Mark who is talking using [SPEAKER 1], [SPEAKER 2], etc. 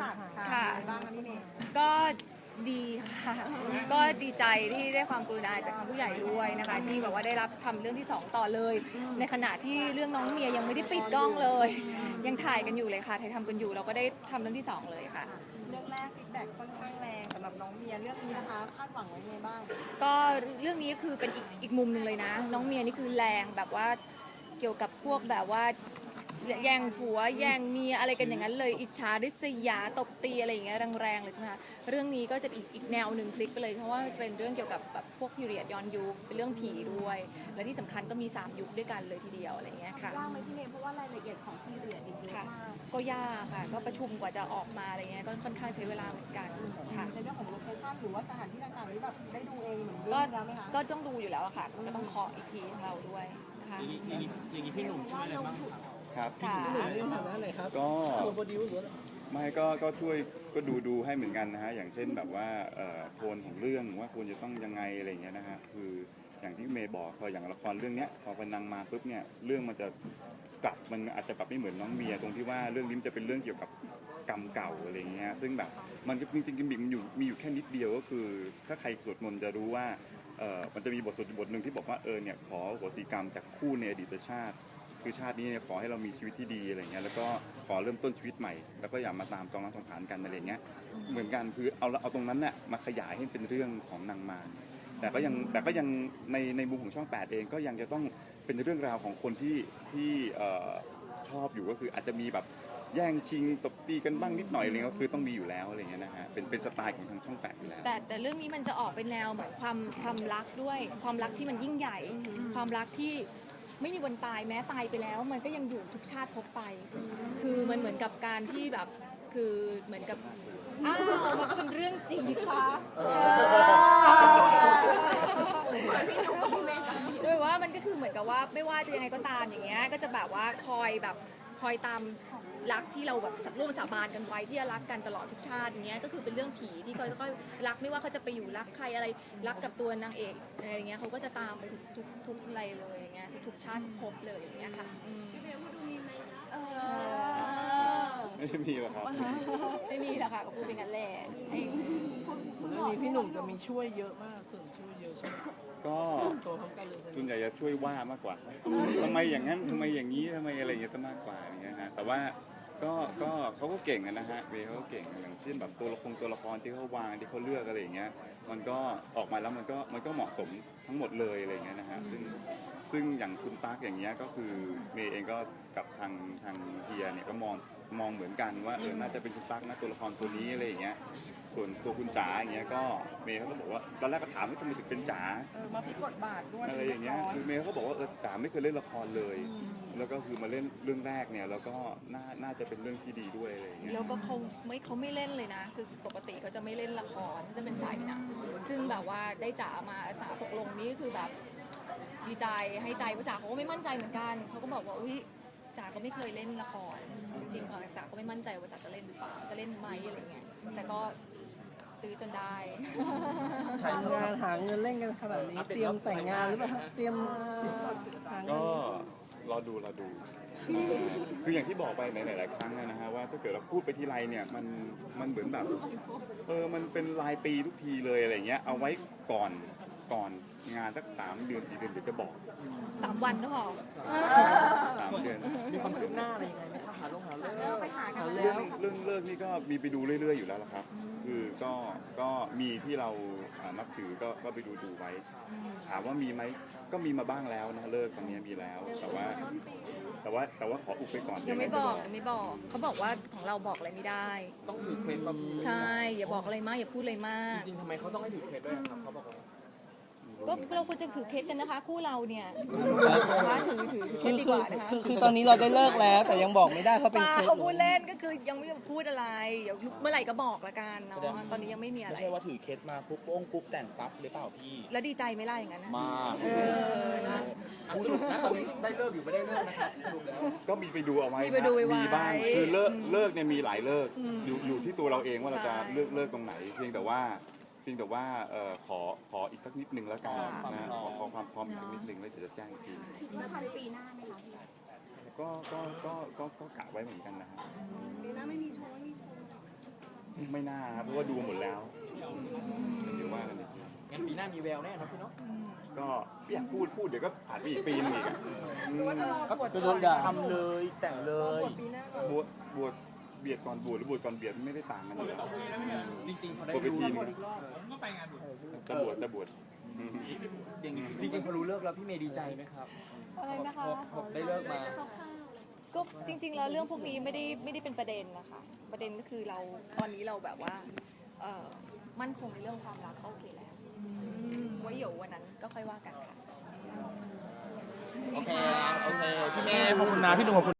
[SPEAKER 1] สัก
[SPEAKER 2] ค่ะ
[SPEAKER 1] บ้างนะพี่เมย์
[SPEAKER 2] ก็ดีค่ะ ก็ดีใจที่ได้ความกรุณาจากทางผู้ใหญ่ด้วยนะคะที่แบบว่าได้รับทำเรื่องที่2ต่อเลย ในขณะที่เรื่องน้องเมียยังไม่ได้ปิดกล้องเลย ยังถ่ายกันอยู่เลยค่ะถ่ายทำกันอยู่เราก็ได้ทำเรื่องที่2เลยค่ะ
[SPEAKER 1] เรื่องแรกฟีดแบ็กค่อนข้างแรงสำหรับน้องเมียเรื่องนี้นะคะคาดหวังไว้ไงบ้าง
[SPEAKER 2] ก็เรื่องนี้คือเป็นอีกมุมหนึ่งเลยนะน้องเมียนี่คือแรงแบบว่าเกี่ยวกับพวกแบบว่าแย่งผัวแย่งเมียอะไรกันอย่างนั้นเลยอิจฉาริษยาตบตีอะไรอย่างเงี้ยแรงๆเลยใช่ไหมคะเรื่องนี้ก็จะอีกแนวหนึ่งพลิกไปเลยเพราะว่าจะเป็นเรื่องเกี่ยวกับแบบพวกพีเรียดย้อนยุคเป็นเรื่องผีด้วย และที่สำคัญก็มี3ยุคด้วยกันเลยทีเดียวอะไรอย่างเงี้ยค่ะ
[SPEAKER 1] ยากไหมพี่เมย์เพราะว่ารายละเอียดของพีเรียดเยอะมาก
[SPEAKER 2] ก็ยากค่ะก็ประชุมกว่าจะออกมาอะไรเงี้ยก็ค่อนข้างใช้เวลาเหมือนกันค่ะ
[SPEAKER 1] ในเรื่องของโลเคชั่นหรือว่าสถานที่ต่างๆนี้แบบได้ดูเองเหมือนเรื่
[SPEAKER 2] ก็
[SPEAKER 1] องแล้วไหมคะ
[SPEAKER 2] ก็ต้องดูอยู่แล้วอะค่ะก็ต้องเคาะอีกทีของเราด้วยนะคะ
[SPEAKER 3] อย่างนี้พี่หนุ่มช่วยอะไรบ้างครับ
[SPEAKER 4] ครับ
[SPEAKER 2] ค่ะ
[SPEAKER 4] พี่หนุ่มในฐานะไหนครับก็โปรดิวหรือไม่ก็ช่วยก็ดูให้เหมือนกันนะฮะอย่างเช่นแบบว่าโทนของเรื่องว่าควรจะต้องยังไงอะไรอย่างเงี้ยนะฮะคืออย่างที่เมย์บอกพออย่างละครเรื่องเนี้ยพอพนังมาปุ๊บเนี่ยเรื่องมันจะกลับมันอาจจะแบบไม่เหมือนน้องเมียตรงที่ว่าเรื่องนี้จะเป็นเรื่องเกี่ยวกับกรรมเก่าอะไรอย่างเงี้ยซึ่งแบบมันจริงๆมันมีอยู่แค่นิดเดียวก็คือถ้าใครสวดมนต์จะรู้ว่ามันจะมีบทสวดบทหนึ่งที่บอกว่าเนี่ยขอโหสิกรรมจากคู่ในอดีตชาติคือชาตินี้เนี่ยขอให้เรามีชีวิตที่ดีอะไรเงี้ยแล้วก็ขอเริ่มต้นชีวิตใหม่แล้วก็อย่ามาตามจองรักจองผานกันอะไรเงี้ยเหมือนกันคือเอาตรงนั้นน่ะมาขยายให้เป็นเรื่องของนางมารแต่ก็ยังในมุมของช่อง 8เองก็ยังจะต้องเป็นเรื่องราวของคนที่ชอบอยู่ก็คืออาจจะมีแบบแย่งชิงตบตีกันบ้างนิดหน่อยอะไรเงี้ยก็คือต้องมีอยู่แล้วอะไรเงี้ยนะฮะเป็นสไตล์ของทางช่อง 8อยู่แล้ว
[SPEAKER 2] แต่เรื่องนี้มันจะออกเป็นแนวเหมือนความรักด้วยความรักที่มันยิ่งใหญ่ ความรักที่ไม่มีวันตายแม้ตายไปแล้ว มันก็ยังอยู่ทุกชาติพบไป คือมันเหมือนกับการที่แบบคือเหมือนกับอ้าวมันก็เป็นเรื่องจริงค่ะด้วยว่ามันก็คือเหมือนกับว่าไม่ว่าจะยังไงก็ตามอย่างเงี้ยก็จะแบบว่าคอยตามรักที่เราแบบร่วมสาบานกันไว้ที่จะรักกันตลอดทุกชาติอย่างเงี้ยก็คือเป็นเรื่องผีที่เขาจะก็รักไม่ว่าเขาจะไปอยู่รักใครอะไรรักกับตัวนางเอกอะไรอย่างเงี้ยเขาก็จะตามไปทุกอะไรเลยอย่างเงี้ยทุกชาติพบเลยอย่างเงี้ยค่ะ
[SPEAKER 4] ไม่มีหรอกครับ
[SPEAKER 2] ไม่มีหรอกค่ะก็พูดเป็นกันแหละ
[SPEAKER 3] เรื่องนี้พี่หนุ่มจะมีช่วยเยอะมากส่วนช่วยเยอะใช่ไหม
[SPEAKER 4] ก็
[SPEAKER 3] ตัวพร้อมกันเลย
[SPEAKER 4] ส่วนใหญ่จะช่วยว่ามากกว่าทำไมอย่างนั้นทำไมอย่างนี้ทำไมอะไรอย่างเงี้ยจะมากกว่าอย่างเงี้ยฮะแต่ว่าก็เขาก็เก่งนะฮะเวย์เขาก็เก่งอย่างเช่นแบบตัวละครที่เขาวางที่เขาเลือกอะไรอย่างเงี้ยมันก็ออกมาแล้วมันก็เหมาะสมทั้งหมดเลยอะไรอย่างเงี้ยนะฮะซึ่งอย่างคุณปาร์คอย่างเงี้ยก็คือเมย์เองก็กับทางเฮียเนี่ยก็มองเหมือนกันว่าน่าจะเป็นคุณปาร์คนะตัวละครตัวนี้อะไรอย่างเงี้ยส่วนตัวคุณจ๋าอย่างเงี้ยก็เมย์เขาก็บอกว่าตอนแรกก็ถามว่าทำไมถึงเป็นจ๋า
[SPEAKER 1] มาพลิกบทบาทด้วย
[SPEAKER 4] อะไรอย่างเงี้ยคือเมย์เขาบอกว่าจ๋าไม่เคยเล่นละครเลย แล้วก็คือมาเล่นเรื่องแรกเนี่ยแล้วก็น่าจะเป็นเรื่องที่ดีด้วยอะไรอย่างเงี้ย
[SPEAKER 2] แล้วก็เขาไม่เล่นเลยนะคือปกติเขาจะไม่เล่นละครเขาจะเป็นสายหนังซึ่งแบบว่าได้จ๋ามาจ๋าตกลงนี่คือแบบดีใจให้ใจเพราะจ๋าเขาก็ไม่มั่นใจเหมือนกันเขาก็บอกว่าอุ้ยจ๋าก็ไม่เคยเล่นละครจริงๆก่อนจ๋าก็ไม่มั่นใจว่าจ๋าจะเล่นหรือเปล่าจะเล่นไหมอะไรเงี้ยแต่ก็ตื้อจนได้
[SPEAKER 3] ใช้งานหาเงินเล่นกันขนาดนี้เตรียมแต่งงานหรือเปล่าเตรียมสินสอดหาเงิ
[SPEAKER 4] ก็
[SPEAKER 3] น
[SPEAKER 4] รอดูคืออย่างที่บอกไปหลายๆครั้งนะฮะว่าถ้าเกิดเราพูดไปทีไรเนี่ยมันเหมือนแบบมันเป็นรายปีทุกทีเลยอะไรเงี้ยเอาไว้ก่อนงานสัก3 เดือน 4 เดือนเดี๋ยวจะบอก
[SPEAKER 2] 3 วันก็พอ
[SPEAKER 4] 3 เดือน
[SPEAKER 3] มีความคืบหน้าอะไรยังไงไหมครับหาเลิก
[SPEAKER 1] ไปหากัน
[SPEAKER 3] แล้
[SPEAKER 4] เรื่
[SPEAKER 3] ว
[SPEAKER 4] องเลิกนี่ก็มีไปดูเรื่อยๆอยู่แล้วละครับ คือก็มีที่เรานับถือก็ไปดูไว้ ถามว่ามีไหมก็มีมาบ้างแล้วนะเลิกตอนนี้มีแล้ว แต่ว่าขออุบไปก่อน
[SPEAKER 2] ยังไม่บอกเขาบอกว่าของเราบอกอะไรไม่ได้
[SPEAKER 5] ต้องถือเคล็ดมาพูด
[SPEAKER 2] ใช่อย่าบอกอะไรมากอย่าพูดอะไรมาก
[SPEAKER 5] จริงๆทำไมเขาต้องให้ถือเคล็ดด้วยครับเขาบอกว่า
[SPEAKER 2] ก็เราควรจะถือเคสกันนะคะคู่เราเนี่ยนะคะถือเคสดีกว่านะคะ
[SPEAKER 3] คือตอนนี้เราได้เลิกแล้วแต่ยังบอกไม่ได้เพราะเป็น
[SPEAKER 2] ป้า
[SPEAKER 3] เคส
[SPEAKER 2] เขาพูดเล่นก็คือยังไม่พูดอะไรเดี๋ยวเมื่อไหร่ก็บอกละกันเนาะตอนนี้ยังไม่มีอะไร
[SPEAKER 5] ไม่ใช่ว่าถือเคล็ดมาปุ๊บโป้งปุ๊บแต่งปั๊บหรือเปล่าพี่
[SPEAKER 2] แล้วดีใจไหมล่ะอย่างนั้นนะ
[SPEAKER 5] มาก
[SPEAKER 2] นะ
[SPEAKER 5] สรุปนะตอนนี้ได้เลิกอยู่ไม่ได้เลิกนะครับสรุปแล้ว
[SPEAKER 4] ก็มีไปดูเอาไว้
[SPEAKER 2] มีไปดูไว้
[SPEAKER 4] มีบ้างคือเลิกเนี่ยมีหลายเลิกอยู่ที่ตัวเราเองว่าเราจะเลิกตรงไหนเพียงแต่ว่าขออีกสักนิดนึงแล้วกันนะขอความพร้อมอีกสักนิดนึงแล้วเดี๋ยวจะแจ้งอีกที
[SPEAKER 1] จะทันปีหน้าไหมคะพี่
[SPEAKER 4] ก็กะไว้เหมือนกันนะฮะ
[SPEAKER 1] ปีหน้าไม่มีโชว์
[SPEAKER 4] ไม่น่าครับเพราะว่าดูหมดแล้วเดี๋ยวว่ากันอีกที
[SPEAKER 5] งั้นปีหน้ามีแววแน่ครับพี่เนาะ
[SPEAKER 4] ก็ไม่อยากพูดเดี๋ยวก็ผ่านไปอีกปีนึงอีกอะอืม
[SPEAKER 1] ว่าจะรอบวช
[SPEAKER 3] ก็โดนด่า
[SPEAKER 5] ทำเลยแต่งเล
[SPEAKER 1] รอย บวชปีหน้าก่อน
[SPEAKER 4] บวชเบียดก่อนบวชหรือบวชก่อนเบียดไม่ได้ต่างกันอยู่แล้ว
[SPEAKER 5] จริงๆพอได้
[SPEAKER 4] บวชไป
[SPEAKER 5] รู้
[SPEAKER 4] ทีนึง
[SPEAKER 5] อีกรอบ
[SPEAKER 4] จะบวชอืม
[SPEAKER 5] จริงๆพอรู้เลิกแล้วพี่เมย์ดีใจไหมครับ
[SPEAKER 2] อะไรนะคะ
[SPEAKER 5] พอได้เลิกมา
[SPEAKER 2] ก็จริง ๆ แล้วเรื่องพวกนี้ไม่ได้เป็นประเด็นนะคะ ประเด็นก็คือเราตอนนี้เราแบบว่ามั่นคงในเรื่องความรักก็โอเคแล้วไว้เดี๋ยววันนั้นก็ค่อยว่ากันค่ะ
[SPEAKER 5] โอเค พี่เมย์ขอบคุณนะพี่หนุ่มขอบคุณ